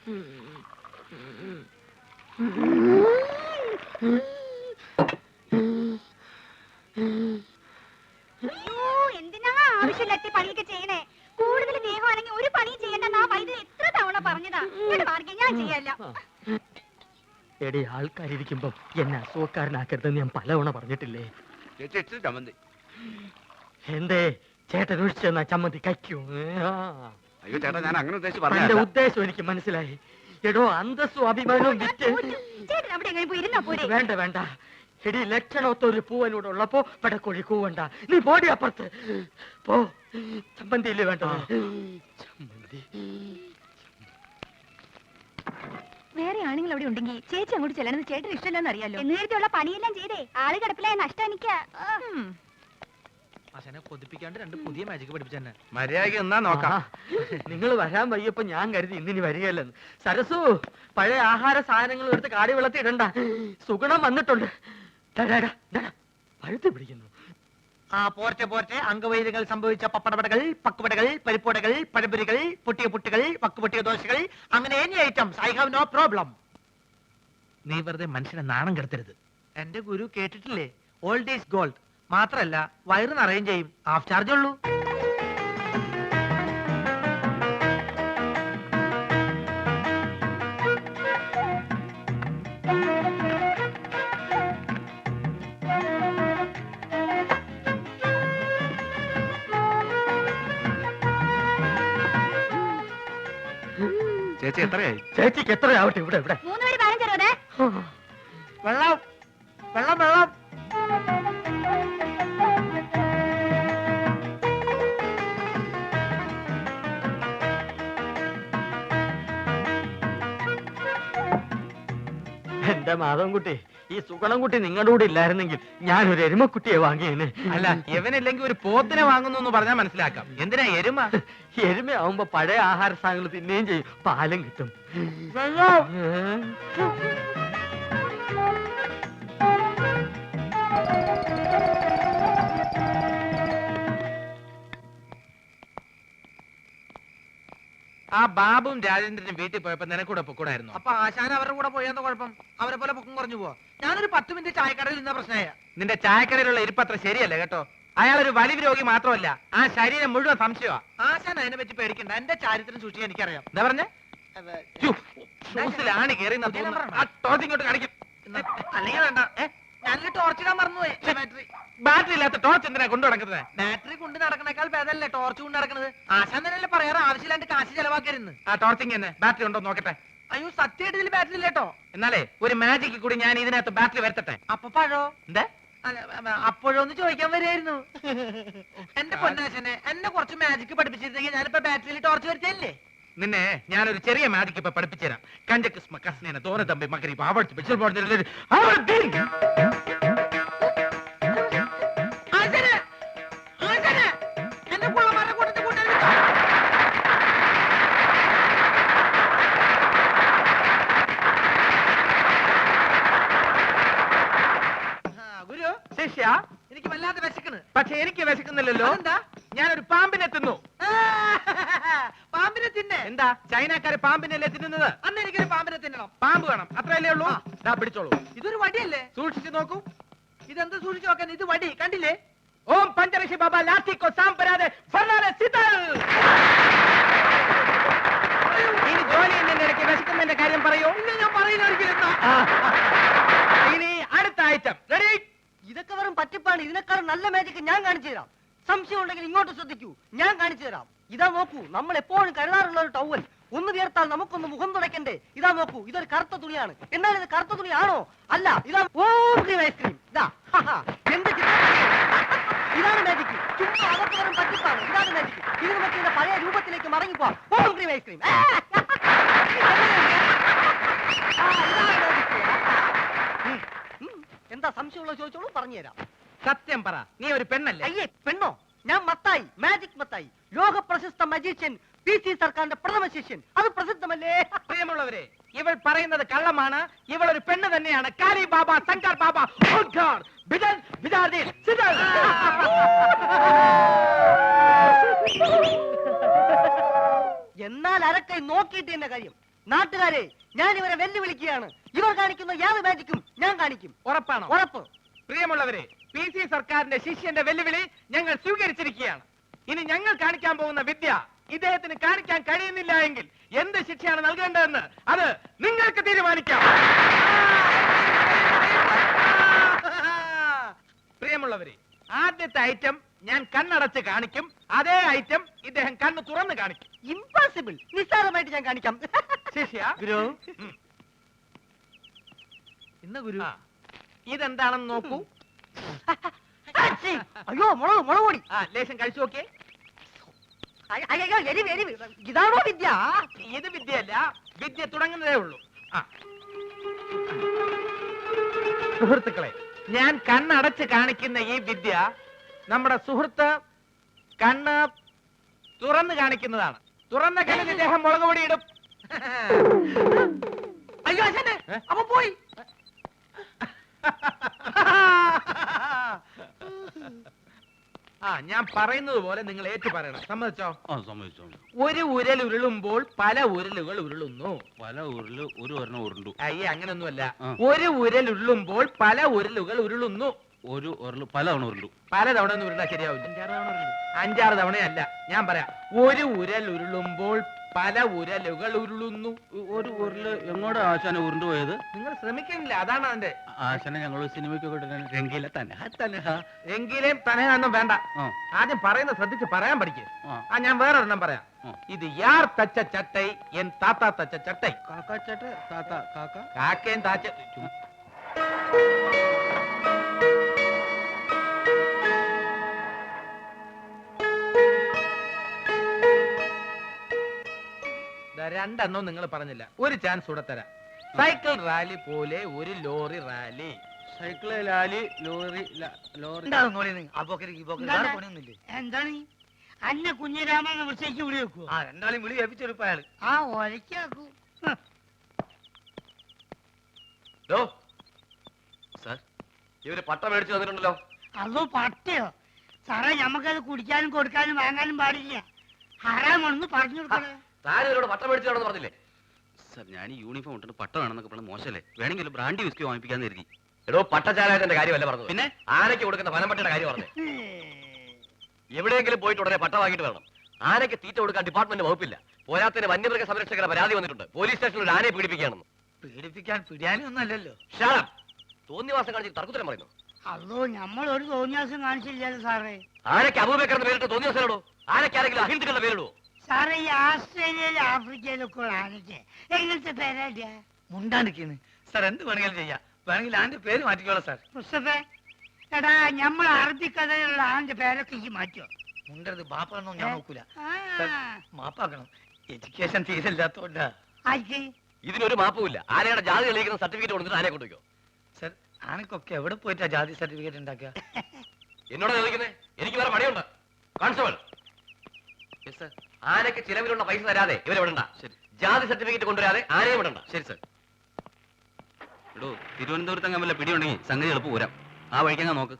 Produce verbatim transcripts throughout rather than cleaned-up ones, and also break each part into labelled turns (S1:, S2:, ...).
S1: എന്തിനാ ആവശ്യമില്ലാത്ത പണിയൊക്കെ ചെയ്യണേ? കൂടുതൽ സ്നേഹമാണെങ്കിൽ ഒരു പണിയും ചെയ്യണ്ടെന്ന് ആ വൈദ്യുതി എത്ര തവണ പറഞ്ഞതാ. ഞാൻ ചെയ്യല്ല.
S2: എടി, ആൾക്കാരിയ്ക്കുമ്പോ എന്നെ അസുഖക്കാരനാക്കരുതെന്ന് ഞാൻ പലവണ പറഞ്ഞിട്ടില്ലേ? എന്തേ ചേട്ടൻ ഒഴിച്ചെന്നാ ചമ്മന്തി കയ്ക്കൂ?
S3: അയ്യോ ചേട്ടാ, ഞാൻ അങ്ങനെ ഉദ്ദേശിച്ച്
S2: എന്റെ
S3: പറഞ്ഞ
S2: ഉദ്ദേശം എനിക്ക് മനസ്സിലായി. എടോ, അന്തസ്സും അഭിമാനവും വിറ്റ് വേണ്ട വേണ്ട. എടി, ലക്ഷണത്തൊരു പൂവനോട് ഉള്ളപ്പോ പടക്കോഴി കൂവണ്ട. നീ പോടി അപ്പുറത്ത് പോ. ചമ്മന്തിയില്ലേ വേണ്ടത്? ചമ്മന്തി
S1: വേറെ ആണുങ്ങൾ അവിടെ ഉണ്ടെങ്കിൽ ചേച്ചി അങ്ങോട്ട് ചെല്ലണമെന്ന് ചേട്ടന് ഇഷ്ടമല്ലെന്ന് അറിയാലോ. നേരത്തെയുള്ള പണിയെല്ലാം ചെയ്തേ ആള് കിടപ്പിലായ നഷ്ടം എനിക്ക്.
S4: കൊതിപ്പിക്കാണ്ട് രണ്ട് പുതിയ മാജിക് പഠിപ്പിച്ചെന്നെ.
S3: മര്യാദയ്ക്ക് എന്നാ നോക്കാം.
S2: നിങ്ങൾ വരാൻ വയ്യപ്പോ ഞാൻ കരുതി ഇന്നിനി വരികയല്ലെന്ന്. സരസു, പഴയ ആഹാര സാധനങ്ങൾ എടുത്ത് കാടി വെള്ളത്തിൽ ഇടണ്ട. സുഗുണം വന്നിട്ടുണ്ട്. പഴുത്ത് പിടിക്കുന്നു.
S4: ആ പോർട്ടെ പോർട്ടെ. അംഗവൈദ്യങ്ങൾ സംഭവിച്ച പപ്പടപടകൾ, പക്കുപടകൾ, പരിപ്പുടകൾ, പഴംപൊരികൾ, പൊട്ടിയ പുട്ടുകൾ, വക്കുപൊട്ടിയ ദോശകൾ, അങ്ങനെ any items. I have no problem. നീ വെറുതെ മനുഷ്യനെ നാണം കെടുത്തരുത്. എന്റെ ഗുരു കേട്ടിട്ടില്ലേ, ഓൾഡ് ഈസ് ഗോൾഡ്. മാത്രല്ല വയറ് നിറയും ചെയ്യും. ഹാഫ് ചാർജ് ഉള്ളൂ.
S3: ചേച്ചി എത്രയായി?
S2: ചേച്ചിക്ക് എത്രയാവട്ടെ? ഇവിടെ ഇവിടെ
S1: മൂന്നുപേര് പതിനഞ്ചറുപത്.
S4: വെള്ളം വെള്ളം വെള്ളം.
S2: എന്റെ മാധവൻകുട്ടി, ഈ സുഗണൻകുട്ടി നിങ്ങളുടെ കൂടെ ഇല്ലായിരുന്നെങ്കിൽ ഞാനൊരു എരുമക്കുട്ടിയെ വാങ്ങിയേനെ.
S4: അല്ല, ഇവനില്ലെങ്കിൽ ഒരു പോത്തിനെ വാങ്ങുന്നു പറഞ്ഞാൽ മനസ്സിലാക്കാം. എന്തിനാ എരുമ?
S2: എരുമയാവുമ്പോ പഴയ ആഹാര സാധനങ്ങൾ തിന്നുകയും ചെയ്യും, പാലും കിട്ടും.
S4: ആ ബാബുവും രാജേന്ദ്രനും വീട്ടിൽ പോയപ്പോ നിനക്കൂടെ പൊക്കൂടായിരുന്നു. അപ്പൊ ആശാൻ അവരുടെ കൂടെ പോയെന്ന കുഴപ്പം? അവരെ പോലെ പൊക്കം കുറഞ്ഞു പോവാ. ഞാനൊരു പത്ത് മിനിറ്റ് ചായക്കടയിൽ നിന്ന പ്രശ്നമായ. നിന്റെ ചായക്കടയിലുള്ള ഇരിപ്പത്ര ശരിയല്ല കേട്ടോ. അയാളൊരു വലിയ രോഗി മാത്രമല്ല, ആ ശരീരം മുഴുവൻ സംശയമാ. ആശാൻ അതിനെ പറ്റി പേടിക്കണ്ട. എന്റെ ചാരിത്രം സൂക്ഷിക്കാൻ എനിക്കറിയാം. എന്താ പറഞ്ഞേ? ഷൂസിലാണ് കയറി ഇങ്ങോട്ട് കാണിക്കും. അല്ലെങ്കിൽ വേണ്ട, ഞാനൊരു ടോർച്ച് ഇടാൻ മറന്നുപോയി. ബാറ്ററി ബാറ്ററി ഇല്ലാത്ത ടോർച്ച് എന്തിനാ കൊണ്ടു നടക്കുന്നത്? ബാറ്ററി കൊണ്ട് നടക്കണേക്കാൾ ഭേദമല്ലേ ടോർച്ച് കൊണ്ട് നടക്കുന്നത്? ആശാൻ തന്നെയല്ലേ പറയാറ് ആവശ്യമില്ലാണ്ട് കാശ് ചെലവാക്കരുന്ന്. ആ ടോർച്ചിങ് തന്നെ ബാറ്ററി ഉണ്ടോ നോക്കട്ടെ. അയ്യോ, സത്യമായിട്ട് ഇതിൽ ബാറ്ററി ഇല്ലേട്ടോ. എന്നാലേ ഒരു മാജിക്ക് കൂടി ഞാൻ ഇതിനകത്ത് ബാറ്ററി വരുത്തട്ടെ. അപ്പൊ പഴോ? എന്താ അപ്പോഴൊന്ന് ചോദിക്കാൻ വരികയായിരുന്നു. എന്റെ പൊന്നാശനെ, എന്നെ കുറച്ച് മാജിക്ക് പഠിപ്പിച്ചിരുന്നെങ്കിൽ ഞാനിപ്പോ ബാറ്ററിയിൽ ടോർച്ച് വരുത്തല്ലേ. നിന്നെ ഞാനൊരു ചെറിയ മാജിക്ക് ഇപ്പൊ പഠിപ്പിച്ചുതരാം. കഞ്ചക്കിസ്മ കസ്നേന തോന തമ്പി മകരി ആവർത്തി ഗുരു ശിഷ്യ, എനിക്ക് വല്ലാതെ വിശക്കുന്നു. പക്ഷെ എനിക്ക് വിശക്കുന്നില്ലല്ലോ. എന്താ? ഞാനൊരു പാമ്പിനെ തിന്നു. പാമ്പിനെ തിന്നെ? എന്താ, ചൈനക്കാര് പാമ്പിനല്ലേ തിന്നുന്നത്? അന്ന് എനിക്കൊരു പാമ്പിനെ തിന്നണം. പാമ്പ് വേണം, അത്രയല്ലേ ഉള്ളൂ. ദാ പിടിച്ചോളൂ. ഇതൊരു വടിയല്ലേ? സൂക്ഷിച്ചു നോക്കൂ. ഇതെന്ത് സൂക്ഷിച്ചു നോക്കാൻ? ഇത് വടി കണ്ടില്ലേ? ഓം പഞ്ചരക്ഷി ബാബ ലാത്തിക്കോ സാമ്പരാതെ ഇനി ജോലി എന്നതിന്റെ ഇടയ്ക്ക് വിശക്കുന്നതിന്റെ കാര്യം പറയൂ. ഇല്ല, ഞാൻ പറയുന്ന ഒരിക്കലും. ഇനി അടുത്ത ഐറ്റം റെഡി.
S5: ഇതൊക്കെ വെറും പറ്റിപ്പാണ്. ഇതിനേക്കാളും നല്ല മാജിക് ഞാൻ കാണിച്ചു തരാം. സംശയം ഉണ്ടെങ്കിൽ ഇങ്ങോട്ട് ശ്രദ്ധിക്കൂ, ഞാൻ കാണിച്ചു തരാം. ഇതാ നോക്കൂ, നമ്മൾ എപ്പോഴും കരുതാറുള്ള ഒരു ടവൽ. ഒന്ന് വിയർത്താൽ നമുക്കൊന്ന് മുഖം തുടയ്ക്കണ്ടേ? ഇതാ നോക്കൂ, ഇതൊരു കറുത്ത തുണിയാണ്. എന്നാൽ ഇത് കറുത്ത തുണിയാണോ? അല്ല, ഇതാ ഓം ക്രീം ഐസ്ക്രീം. ഇതാ എന്ത് ചിത്രം! ഇതാണ് മാജിക്. ചുമ്മാ അതൊക്കെ വെറും പറ്റിപ്പാണ്. ഇതാണ് മാജിക്. ഇത് നമുക്ക് ഇതിന്റെ പഴയ രൂപത്തിലേക്ക് മടങ്ങിപ്പോവാം. ഓം ക്രീം ഐസ്ക്രീം. എന്താ സംശയമുള്ള ചോദിച്ചോളൂ, പറഞ്ഞുതരാം.
S4: സത്യം പറ, നീ ഒരു പെണ്ണല്ലേ?
S5: അയ്യേ, പെണ്ണോ? ഞാൻ മത്തായി, മാജിക് മത്തായി, ലോക പ്രശസ്ത മജീഷ്യൻ, പി സി സർക്കാരിന്റെ പ്രഥമ ശിഷ്യൻ. അത് പ്രസിദ്ധമല്ലേ?
S4: പ്രിയമുള്ളവരെ, ഇവൾ പറയുന്നത് കള്ളമാണ്. ഇവൾ ഒരു പെണ്ണ് തന്നെയാണ്. കാലി ബാബ, ശങ്കർ ബാബ,
S5: എന്നാൽ അരക്കൈ നോക്കിയിട്ട് എന്റെ കാര്യം. നാട്ടുകാരെ ഞാൻ ഇവരെ വെല്ലുവിളിക്കുകയാണ്. ഇവർ കാണിക്കുന്ന യാതൊരു മാജിക്കും ഞാൻ കാണിക്കും.
S4: ഉറപ്പാണോ?
S5: ഉറപ്പ്.
S4: പ്രിയമുള്ളവരെ, പി സി സർക്കാരിന്റെ ശിഷ്യന്റെ വെല്ലുവിളി ഞങ്ങൾ സ്വീകരിച്ചിരിക്കുകയാണ്. ഇനി ഞങ്ങൾ കാണിക്കാൻ പോകുന്ന വിദ്യ ഇദ്ദേഹത്തിന് കാണിക്കാൻ കഴിയുന്നില്ല എങ്കിൽ എന്ത് ശിക്ഷയാണ് നൽകേണ്ടതെന്ന് അത് നിങ്ങൾക്ക് തീരുമാനിക്കാം. പ്രിയമുള്ളവരെ, ആദ്യത്തെ ഐറ്റം ഞാൻ കണ്ണടച്ച് കാണിക്കും. അതേ ഐറ്റം ഇദ്ദേഹം കണ്ണ് തുറന്ന് കാണിക്കും.
S5: ഇംപോസിബിൾ. നിസ്സാരമായിട്ട് ഞാൻ കാണിക്കാം.
S4: ശിഷ്യ,
S5: ഗുരു.
S4: ഉം. ഇന്ന് ഗുരു ഇതെന്താണെന്ന് നോക്കൂ.
S5: അയ്യോ, മുളക് മുളക് പൊടി.
S4: ആ, ലേശം കഴിച്ചു നോക്കിയേ.
S5: അയ്യ, അയ്യോ, എരിവ് എരിവ്. ഇതാണോ വിദ്യ?
S4: ഇത് വിദ്യയല്ല, വിദ്യ തുടങ്ങുന്നതേ ഉള്ളൂ. ആ. സുഹൃത്തുക്കളെ, ഞാൻ കണ്ണടച്ച് കാണിക്കുന്ന ഈ വിദ്യ നമ്മുടെ സുഹൃത്ത് കണ്ണ് തുറന്ന് കാണിക്കുന്നതാണ്. തുറന്ന കണ്ണിൽ ഇദ്ദേഹം മുളക് പൊടി ഇടും.
S5: അയ്യോ അച്ഛനെ, അപ്പൊ പോയി.
S4: ആ, ഞാൻ പറയുന്നത് പോലെ നിങ്ങൾ ഏറ്റു പറയണം. സമ്മതിച്ചോ?
S6: ആ സമ്മതിച്ചോ.
S4: ഒരു ഉരൽ ഉരുളുമ്പോൾ പല ഉരലുകൾ ഉരുളുന്നു.
S6: പല ഉരുള് ഒരു ഒരെണ്ണം ഉരുണ്ടു.
S4: അയ്യേ, അങ്ങനൊന്നുമല്ല.
S6: ആ.
S4: ഒരു ഉരൽ ഉരുളുമ്പോൾ പല ഉരലുകൾ ഉരുളുന്നു.
S6: ഒരു ഉരുള് പല തവണ ഉരുണ്ടു.
S4: പല തവണ ഒന്നും ഉരുളാ ശരിയാവില്ല. അഞ്ചാറ് തവണയല്ല, ഞാൻ പറയാം. ഒരു ഉരൽ ഉരുളുമ്പോൾ പല ഉരലുകൾ ഉരുളുന്നു.
S6: ഒരു ഉരുള് എങ്ങോട്ടാ ആശാനെ ഉരുണ്ടു പോയത്?
S4: നിങ്ങൾ ശ്രമിക്കുന്നില്ല, അതാണ് അതിന്റെ.
S6: ആശാനെ ഞങ്ങൾ സിനിമയ്ക്കൊക്കെ രംഗീല തന്നെ തന്നെ
S4: എങ്കിലും തനയൊന്നും വേണ്ട.
S6: ആ.
S4: ആദ്യം പറയുന്നത് ശ്രദ്ധിച്ച് പറയാൻ പഠിക്കും.
S6: ആ.
S4: ആ, ഞാൻ വേറൊരെണ്ണം പറയാം.
S6: ആ.
S4: ഇത് യാർ തച്ച ചട്ടൈ എൻ താത്ത തച്ച ചട്ടൈ.
S6: കാക്കാച്ചേട്ട താത്ത കാക്ക
S4: കാക്കയും താച്ച രണ്ടെണ്ണോ നിങ്ങൾ പറഞ്ഞില്ല. ഒരു ചാൻസ് കൂടെ തരാം. സൈക്കിൾ റാലി പോലെ ഒരു ലോറി റാലി.
S6: സൈക്കിള് ലാലി ലോറി ല- ലോറി
S7: എന്താണ് അന്നെ കുഞ്ഞിരാമൻ വിളിച്ചേക്ക് വിളി വെക്കുവോ?
S5: ആ, രണ്ടാളും വിളി ഏൽപ്പിച്ചെടുപ്പ അയാള്.
S7: ആ ഒലക്കാക്കൂ.
S3: സാർ, ഇവര് പട്ട മേടിച്ചു തന്നിട്ടുണ്ടല്ലോ.
S7: അതോ പട്ടയോ? സാറേ, ഞമ്മക്കത് കുടിക്കാനും കൊടുക്കാനും വാങ്ങാനും പാടില്ല. ഹറാമാണെന്ന് പറഞ്ഞു കൊടുക്കണേ.
S3: താനും ഇവരോട് പട്ട മേടിച്ചു തരണമെന്ന് പറഞ്ഞില്ലേ?
S6: സാർ, ഞാൻ ഈ യൂണിഫോം ഇട്ടിട്ട് പട്ട വേണമെന്നൊക്കെ പറഞ്ഞ മോശമല്ലേ? വേണമെങ്കിൽ ബ്രാൻഡി വിസ്കി വാങ്ങിപ്പിക്കാന്ന് കരുതി.
S3: എടോ, പട്ടചാലായതിന്റെ കാര്യമല്ല പറഞ്ഞത്.
S6: പിന്നെ
S3: ആനയ്ക്ക് കൊടുക്കുന്ന ഫലം കാര്യം പറഞ്ഞു. എവിടെയെങ്കിലും പോയിട്ട് ഉടനെ പട്ട വാങ്ങിട്ട് വരണം. ആനയ്ക്ക് തീറ്റ കൊടുക്കാൻ ഡിപ്പാർട്ട്മെന്റ് വകുപ്പില്ല. പോരാത്തിന് വന്യമൃഗ സംരക്ഷകരുടെ പരാതി വന്നിട്ടുണ്ട്. പോലീസ് സ്റ്റേഷനിൽ ഒരു ആനയെ പീഡിപ്പിക്കുകയാണെന്ന്.
S5: പീഡിപ്പിക്കാൻ പിടിയാനൊന്നും അല്ലല്ലോ.
S3: ഷാളം, തോന്നിവാസം കാണിച്ച് തർക്കുത്തരം പറയുന്നു.
S7: അതോ നമ്മൾ ഒരു തോന്നിയാസം കാണിച്ചില്ലല്ലോ സാറേ.
S3: ആനയ്ക്ക് അബൂബക്കറിന്റെ പേരിട്ട് തോന്നിവാസനോടോ? ആനയ്ക്ക് ആരെങ്കിലും അഹിന്ദുക്കളുടെ പേരിടുവോ?
S7: സാറേ, ഈ ആസ്ട്രേലിയയിലും ആഫ്രിക്കയിലൊക്കെ ഉള്ള ആനയ്ക്ക് എങ്ങനത്തെ പേരാ?
S5: മുണ്ടാണ്ടിരിക്കുന്നു സാർ. എന്ത് വേണമെങ്കിലും ചെയ്യാം. വേണമെങ്കിൽ ആന്റെ പേര് മാറ്റിക്കോളാം സാർ.
S7: മുസ്തഫേ, എടാ, നമ്മൾ അറബിക്കഥയിലുള്ള ആന്റെ പേരൊക്കെ ഈ മാറ്റോ?
S5: മുണ്ടരുത്, ബാപ്പാണെന്നോ ഞാൻ നോക്കൂല.
S7: ആ,
S5: സാർ, മാപ്പാക്കണം. എഡ്യൂക്കേഷൻ തീരില്ലാത്തോണ്ടാ.
S7: ആയിക്ക്.
S3: ഇതിനൊരു മാപ്പുമില്ല. ആനയുടെ ജാതി തെളിയിക്കുന്ന സർട്ടിഫിക്കറ്റ് കൊടുത്തിട്ട് ആനയെ കൊണ്ടുവയ്ക്കോ.
S5: സാർ, ആനക്കൊക്കെ എവിടെ പോയിട്ടാ ജാതി സർട്ടിഫിക്കറ്റ് ഉണ്ടാക്കുക?
S3: എന്നോട് ചോദിക്കുന്നേ? എനിക്ക് വേറെ പണിയുണ്ട്. കോൺസ്റ്റബിൾ, ആനയ്ക്ക് ചിലവിലുള്ള പൈസ തരാതെ ഇവരെ വിടണ്ട.
S6: ശരി.
S3: ജാതി സർട്ടിഫിക്കറ്റ് കൊണ്ടുവരാതെ ആനയെ വിടണ്ട.
S6: ശരി സാർ. എടോ, തിരുവനന്തപുരത്ത് അങ്ങനെ വല്ല പിടിയുണ്ടെങ്കിൽ സംഗതി എളുപ്പം പോരാം. ആ വഴിക്കങ്ങ നോക്ക്.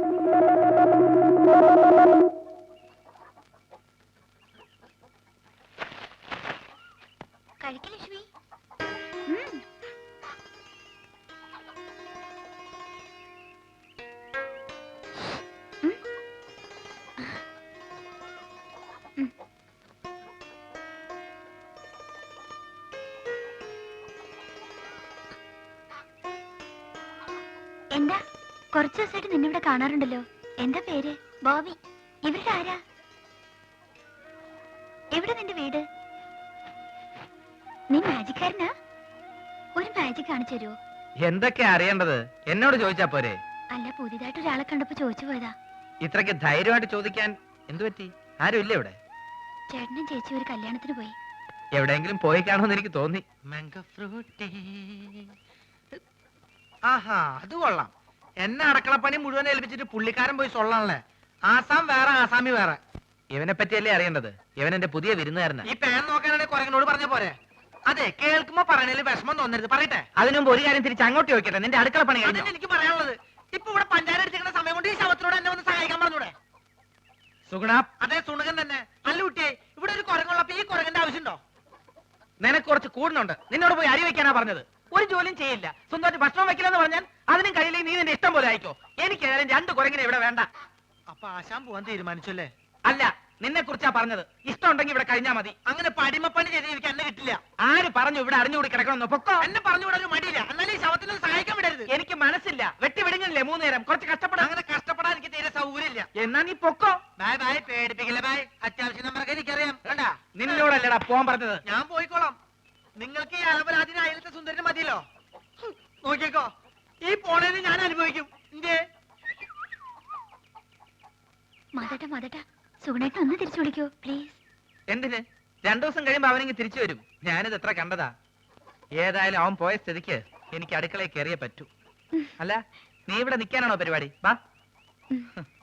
S1: കഴിക്കലക്ഷ്മി. എന്താ കുറച്ചു ദിവസമായിട്ട് നിന്നിവിടെ കാണാറുണ്ടല്ലോ. എന്താ പേര്? ബോബി. ഇവരുടെ ആരാ? എവിടെ നിന്റെ വീട്? നീ മാജിക്കാരനാ? ഒരു മാജിക് കാണിച്ചു തരുമോ?
S4: എന്തൊക്കെയാ അറിയേണ്ടത്? എന്നോട് ചോദിച്ചാ പോരെ?
S1: അല്ല, പുതിയതായിട്ട് ഒരാളെ കണ്ടപ്പോ ചോദിച്ചു പോയതാ.
S4: ഇത്രയ്ക്ക് ധൈര്യമായിട്ട് ചോദിക്കാൻ എന്തു പറ്റി? ആരും ഇല്ല ഇവിടെ?
S1: ചേട്ടനും ചേച്ചി ഒരു കല്യാണത്തിന് പോയി.
S4: എവിടെയെങ്കിലും പോയി കാണുമെന്ന് എനിക്ക് തോന്നി. ആഹാ, അത് കൊള്ളാം. എന്നെ അടക്കളപ്പണി മുഴുവൻ ഏൽപ്പിച്ചിട്ട് പുള്ളിക്കാരൻ പോയി സൊള്ളാണല്ലേ. ആസാം വേറെ, ആസാമി വേറെ. ഇവനെ പറ്റിയല്ലേ അറിയേണ്ടത്? ഇവൻ എന്റെ പുതിയ വിരുന്നുകാരനാ. ഈ പാൻ നോക്കാനാണെങ്കിൽ കുരങ്ങനോട് പറഞ്ഞ പോരെ? അതെ, കേൾക്കുമ്പോ പറയണേൽ വിഷമം തോന്നരുത്. പറയട്ടെ. അതിനുമ്പ് ഒരു കാര്യം തിരിച്ച് അങ്ങോട്ട് ചോദിക്കട്ടെ. നിന്റെ അടുക്കള പണി കഴിഞ്ഞോ? എനിക്ക് പറയാനുള്ളത്, ഇപ്പൊ ഇവിടെ പഞ്ചായത്ത് അടിച്ചിരിക്കുന്ന സമയം കൊണ്ട് ഈ ശവത്തിനോട് എന്നെ ഒന്ന് സഹായിക്കാൻ പറഞ്ഞൂടെ? സുഗുണ. അതെ, സുണകൻ തന്നെ. അല്ല കുട്ടിയെ, ഇവിടെ ഒരു കുരങ്ങുള്ളപ്പോ ഈ കുരങ്ങന്റെ ആവശ്യമുണ്ടോ? നിനക്ക് കുറച്ച് കൂടുന്നുണ്ട്. നിന്നോട് പോയി അരി വെക്കാനാ പറഞ്ഞത്. ഒരു ജോലിയും ചെയ്യില്ല. സ്വന്തമായിട്ട് ഭക്ഷണം വെക്കില്ലെന്ന് പറഞ്ഞാൽ അതിനും കഴിയില്ലെങ്കിൽ നീ നിന്റെ ഇഷ്ടം പോലെ ആയിക്കോ. എനിക്ക് ഏതായാലും രണ്ട് കുരങ്ങിനെ ഇവിടെ വേണ്ട.
S5: അപ്പൊ ആശാൻ പോവാൻ തീരുമാനിച്ചല്ലേ?
S4: അല്ല, നിന്നെ കുറിച്ചാ പറഞ്ഞത്. ഇഷ്ടം ഉണ്ടെങ്കിൽ ഇവിടെ കഴിഞ്ഞാ മതി.
S5: അങ്ങനെ പടിമപ്പണി ചെയ്ത് എനിക്ക് എന്നെ കിട്ടില്ല.
S4: ആര് പറഞ്ഞു ഇവിടെ അറിഞ്ഞുകൂടി കിടക്കണമെന്ന്? പൊക്കോ.
S5: എന്നെ പറഞ്ഞു വിടാൻ മടിയില്ല. എന്നാലും ഈ ശവത്തിനൊന്ന് സഹായിക്കാൻ വിടരുത്.
S4: എനിക്ക് മനസ്സില്ല. വെട്ടി വിടുങ്ങില്ലേ മൂന്ന് നേരം? കുറച്ച് കഷ്ടപ്പെടാം.
S5: അങ്ങനെ കഷ്ടപ്പെടാൻ എനിക്ക് തീരെ സൗകര്യമില്ല.
S4: എന്നാ നീ പൊക്കോ.
S5: ബായ് ബായ്, പേടിപ്പിക്കില്ല ബായ്. അത്യാവശ്യം നമ്മളൊക്കെ എനിക്കറിയാം. കണ്ടാ,
S4: നിന്നോടല്ലടാ പോവാൻ പറഞ്ഞത്.
S5: ഞാൻ പോയിക്കോളാം. നിങ്ങൾക്ക് ഈ അലപരാധിന് അയലത്തെ സുന്ദരന് മതിയല്ലോ. ഹും, നോക്കിക്കോ, ഈ പോണേന് ഞാൻ അനുഭവിക്കും. എന്തേ
S1: മതട്ട മതട്ട സുഗുണേട്ടൻ ഒന്ന് തിരിച്ചു വിളിക്കോ പ്ലീസ്.
S4: എന്തിന്? രണ്ടു ദിവസം കഴിയുമ്പോ അവനെങ്കിൽ തിരിച്ചു വരും. ഞാനിത് എത്ര കണ്ടതാ. ഏതായാലും അവൻ പോയ സ്ഥിതിക്ക് എനിക്ക് അടുക്കളയിൽ കയറിയേ പറ്റൂ. അല്ല, നീ ഇവിടെ നിൽക്കാനാണോ പരിപാടി? വാ.